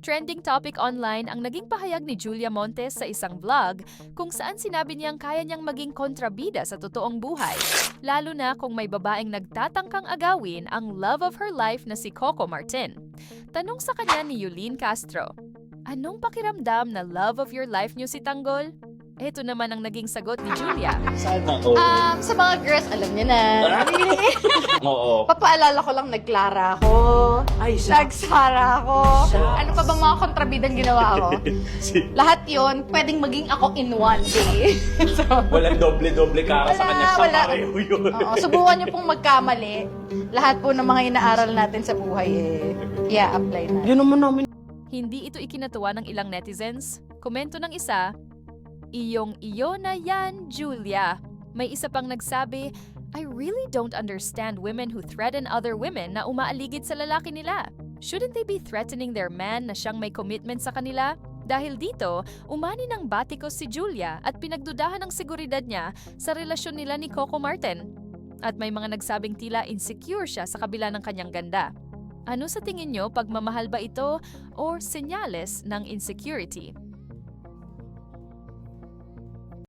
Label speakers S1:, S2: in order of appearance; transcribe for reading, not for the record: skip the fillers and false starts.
S1: Trending topic online ang naging pahayag ni Julia Montes sa isang vlog kung saan sinabi niyang kaya niyang maging kontrabida sa totoong buhay, lalo na kung may babaeng nagtatangkang agawin ang love of her life na si Coco Martin. Tanong sa kanya ni Yulene Castro, anong pakiramdam na love of your life niyo si Tanggol? Ito naman ang naging sagot ni Julia.
S2: Sana all.
S3: Sa mga girls, alam niyo na.
S2: Oo.
S3: Papaalala ko lang, nagklara ako.
S2: Ay,
S3: Nagsara ako. Ano pa bang mga kontrabidang ginawa ko?
S2: Si-
S3: Lahat yon pwedeng maging ako in one day. So,
S2: Walang doble-doble kara sa kanya.
S3: wala.
S2: Pareho yun.
S3: oo, subukan niyo pong magkamali. Lahat po ng mga inaaral natin sa buhay, i-apply na.
S2: Yun naman namin.
S1: Hindi ito ikinatuwa ng ilang netizens. Komento ng isa, iyong-iyo na yan, Julia. May isa pang nagsabi, I really don't understand women who threaten other women na umaaligid sa lalaki nila. Shouldn't they be threatening their man na siyang may commitment sa kanila? Dahil dito, umani ng batikos si Julia at pinagdudahan ang seguridad niya sa relasyon nila ni Coco Martin. At may mga nagsabing tila insecure siya sa kabila ng kanyang ganda. Ano sa tingin nyo, pagmamahal ba ito or senyales ng insecurity?